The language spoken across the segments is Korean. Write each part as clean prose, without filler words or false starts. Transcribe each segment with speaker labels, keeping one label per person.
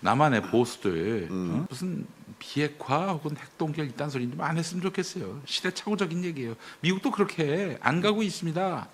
Speaker 1: 남한의 보수들 무슨 비핵화 혹은 핵동결 이딴 소리 좀 안 했으면 좋겠어요. 시대착오적인 얘기예요. 미국도 그렇게 안 가고 있습니다.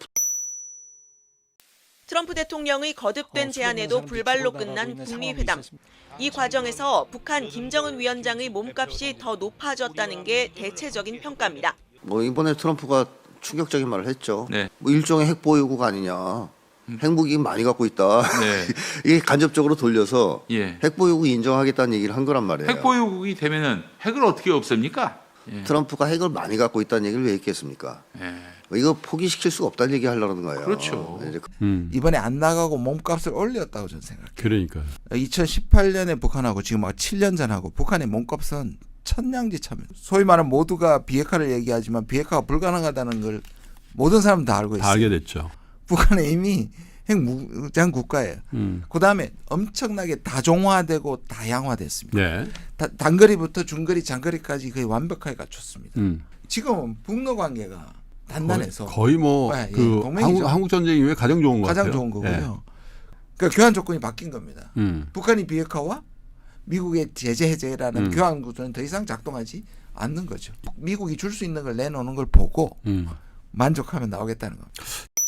Speaker 2: 트럼프 대통령의 거듭된 제안에도 불발로 끝난 북미 회담. 이 과정에서 북한 김정은 위원장의 몸값이 더 높아졌다는 게 대체적인 평가입니다.
Speaker 3: 뭐 이번에 트럼프가 충격적인 말을 했죠.
Speaker 1: 네.
Speaker 3: 뭐 일종의 핵 보유국 아니냐. 핵무기 많이 갖고 있다.
Speaker 1: 네.
Speaker 3: 이게 간접적으로 돌려서
Speaker 1: 예.
Speaker 3: 핵 보유국 인정하겠다는 얘기를 한 거란 말이에요.
Speaker 1: 핵 보유국이 되면은 핵을 어떻게 없앱니까? 예.
Speaker 3: 트럼프가 핵을 많이 갖고 있다는 얘기를 왜 했겠습니까?
Speaker 1: 예.
Speaker 3: 이거 포기시킬 수가 없다는 얘기 하려는 거예요.
Speaker 1: 그렇죠.
Speaker 3: 이제
Speaker 4: 이번에 안 나가고 몸값을 올렸다고 저는 생각해요.
Speaker 5: 그러니까
Speaker 4: 2018년에 북한하고 지금 7년 전하고 북한의 몸값은 천냥지차입니다. 소위 말하는 모두가 비핵화를 얘기하지만 비핵화가 불가능하다는 걸 모든 사람 다 알고 있어요.
Speaker 5: 다 알게 됐죠.
Speaker 4: 북한은 이미 핵무장 국가예요. 그다음에 엄청나게 다종화되고 다양화됐습니다.
Speaker 5: 네.
Speaker 4: 단거리부터 중거리, 장거리까지 거의 완벽하게 갖췄습니다.
Speaker 5: 음.
Speaker 4: 지금은 북러 관계가 단단해서
Speaker 5: 거의 뭐
Speaker 4: 예,
Speaker 5: 그
Speaker 4: 동맹이죠.
Speaker 5: 한국 전쟁 이후에 가장 좋은 것 같아요.
Speaker 4: 가장 좋은 거고요. 그러니까 교환 조건이 바뀐 겁니다. 북한이 비핵화와 미국의 제재 해제라는 교환 구조는 더 이상 작동하지 않는 거죠. 미국이 줄 수 있는 걸 내놓는 걸 보고 만족하면 나오겠다는 겁니다.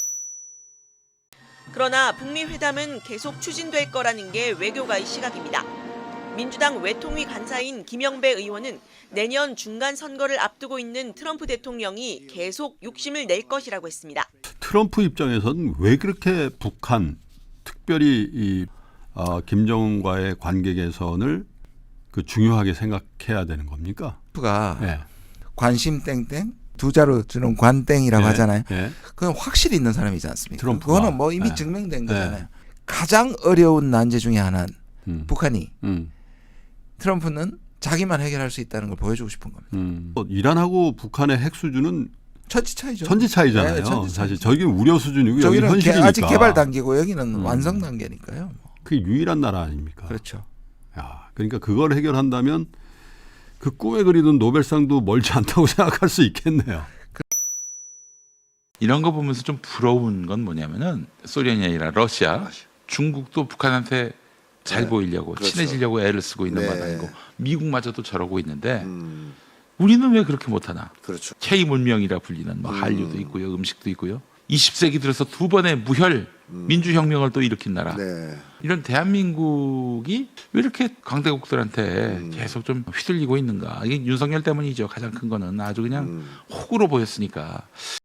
Speaker 2: 그러나 북미 회담은 계속 추진될 거라는 게 외교가의 시각입니다. 민주당 외통위 간사인 김영배 의원은 내년 중간 선거를 앞두고 있는 트럼프 대통령이 계속 욕심을 낼 것이라고 했습니다.
Speaker 5: 트럼프 입장에서는 왜 그렇게 북한, 특별히 이 김정은과의 관계 개선을 그 중요하게 생각해야 되는 겁니까?
Speaker 4: 트럼프가
Speaker 5: 네.
Speaker 4: 관심 땡땡 두 자로 주는 관땡이라고
Speaker 5: 네.
Speaker 4: 하잖아요.
Speaker 5: 네.
Speaker 4: 그건 확실히 있는 사람이지 않습니까?
Speaker 5: 트럼프가.
Speaker 4: 그거는 뭐 이미
Speaker 5: 네.
Speaker 4: 증명된
Speaker 5: 네.
Speaker 4: 거잖아요. 가장 어려운 난제 중에 하나는 북한이 트럼프는 자기만 해결할 수 있다는 걸 보여주고 싶은 겁니다.
Speaker 5: 이란하고 북한의 핵 수준은
Speaker 4: 천지 차이죠.
Speaker 5: 천지 차이잖아요.
Speaker 4: 네, 천지
Speaker 5: 사실
Speaker 4: 차이죠.
Speaker 5: 저기 우려 수준이고 여기
Speaker 4: 저기는
Speaker 5: 현실이니까.
Speaker 4: 아직 개발 단계고 여기는 완성 단계니까요.
Speaker 5: 그게 유일한 나라 아닙니까?
Speaker 4: 그렇죠.
Speaker 5: 야, 그러니까 그걸 해결한다면 그 꿈에 그리던 노벨상도 멀지 않다고 생각할 수 있겠네요.
Speaker 1: 이런 거 보면서 좀 부러운 건 뭐냐면은 소련이 아니라 러시아, 중국도 북한한테 잘
Speaker 3: 네.
Speaker 1: 보이려고
Speaker 3: 그렇죠.
Speaker 1: 친해지려고 애를 쓰고 있는
Speaker 3: 네.
Speaker 1: 마당이고 미국마저도 저러고 있는데 우리는 왜 그렇게 못하나?
Speaker 3: 그렇죠.
Speaker 1: K 문명이라 불리는 뭐 한류도 있고요, 음식도 있고요. 20세기 들어서 두 번의 무혈 민주혁명을 또 일으킨 나라.
Speaker 3: 네.
Speaker 1: 이런 대한민국이 왜 이렇게 강대국들한테 계속 좀 휘둘리고 있는가? 이게 윤석열 때문이죠. 가장 큰 거는 아주 그냥 혹으로 보였으니까.